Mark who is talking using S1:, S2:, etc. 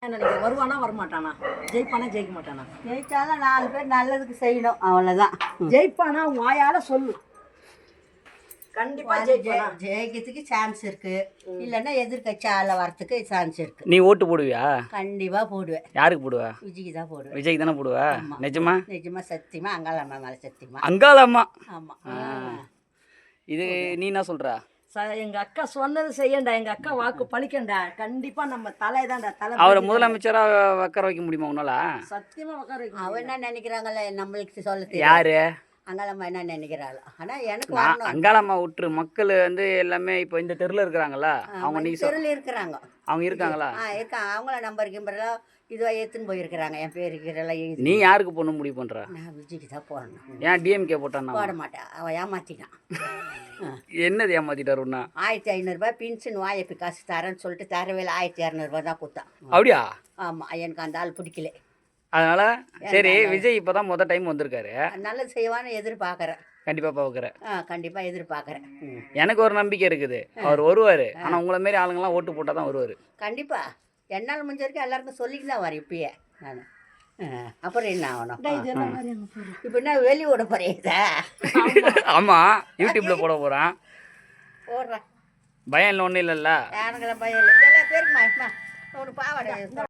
S1: வருவானா வரமாட்டானா, ஜெயிப்பானா ஜெயிக்க மாட்டானா?
S2: ஜெயிச்சாலும் 4 பேர் நல்லதுக்கு செய்யணும், அவ்வளோதான்.
S1: ஜெயிப்பானா வாயால சொல்லு. கண்டிப்பா
S2: ஜெயிக்கிறதுக்கு சான்ஸ் இருக்கு, இல்லைன்னா எதிர்கட்சி ஆள வரத்துக்கு சான்ஸ் இருக்கு.
S3: நீ ஓட்டு போடுவியா?
S2: கண்டிப்பா போடுவேன்.
S3: யாருக்கு போடுவா?
S2: விஜய்க்கு தான் போடுவேன்.
S3: விஜய்க்கு தானே போடுவா? நிஜமா?
S2: நிஜமா சத்தியமா அங்காளம்மா மேலே சத்தியமா.
S3: அங்காளம்மா?
S2: ஆமாம்.
S3: இது நீ என்ன சொல்ற?
S1: எங்க அக்கா சொன்னது செய்யண்டா, எங்க அக்கா வாக்கு பழிக்கண்டா. கண்டிப்பா நம்ம தலைதான்டா தலை.
S3: அவரை முதலமைச்சரா உட்கார வைக்க முடியுமா உன்னால?
S1: சத்தியமா உட்கார வைக்க.
S2: அவன் என்ன நினைக்கிறாங்கல்ல நம்மளுக்கு சொல்ல தெரியும்.
S3: யாரு
S2: அங்காளம்மா என்ன நினைக்கிறாள்? ஆனால் எனக்கு
S3: அங்காளம்மா விட்டுரு, மக்கள் வந்து எல்லாமே இப்போ இந்த தெருவில் இருக்கிறாங்களா? அவங்க நீ
S2: தெருவில் இருக்கிறாங்க.
S3: அவங்க இருக்காங்களா?
S2: இருக்காங்க. அவங்கள நம்பர் கிம்பரெல்லாம் இதுவாக எடுத்துன்னு போயிருக்கிறாங்க. என் பேர் இருக்கிறெல்லாம்
S3: நீ யாருக்கு போகணும் முடிவு பண்ணுற?
S2: நான் விஜய்க்கு தான் போடணும்.
S3: ஏன் டிஎம்கே போட்டான்?
S2: போட மாட்டேன், அவன் ஏமாற்றிட்டான்.
S3: என்னது ஏமாத்திட்டாருன்னா?
S2: 1500 பென்ஷன் வாய்ப்பு காசு தரேன்னு சொல்லிட்டு தரவேல 1200 தான் கொடுத்தான்.
S3: அப்படியா?
S2: ஆமாம், எனக்கு அந்த ஆள் பிடிக்கல.
S3: அதனால சரி, விஜய் இப்போதான் மொதல் டைம் வந்திருக்காரு,
S2: நல்லது செய்வான்னு எதிர்பார்க்குறேன்.
S3: கண்டிப்பாக பார்க்குறேன்.
S2: கண்டிப்பாக எதிர்பார்க்குறேன்.
S3: எனக்கு ஒரு நம்பிக்கை இருக்குது, அவர் வருவார். ஆனால் உங்களை மாரி ஆளுங்கெல்லாம் ஓட்டு போட்டால் தான் வருவார்.
S2: கண்டிப்பாக என்னால் முடிஞ்ச வரைக்கும் எல்லாருக்கும் சொல்லிட்டு தான் வரேன் இப்பயே நான். அப்புறம் என்ன ஆகணும்? இப்போ என்ன வெளியோட போறீங்க?
S3: ஆமாம், யூடியூப்பில் போட போகிறேன்.
S2: போடுறேன்,
S3: பயம் இல்லை, ஒன்றும் இல்லைல்ல?
S2: யாருங்கிற பயம் இல்லை. எல்லா பேருக்குமா ஒரு பாவாடை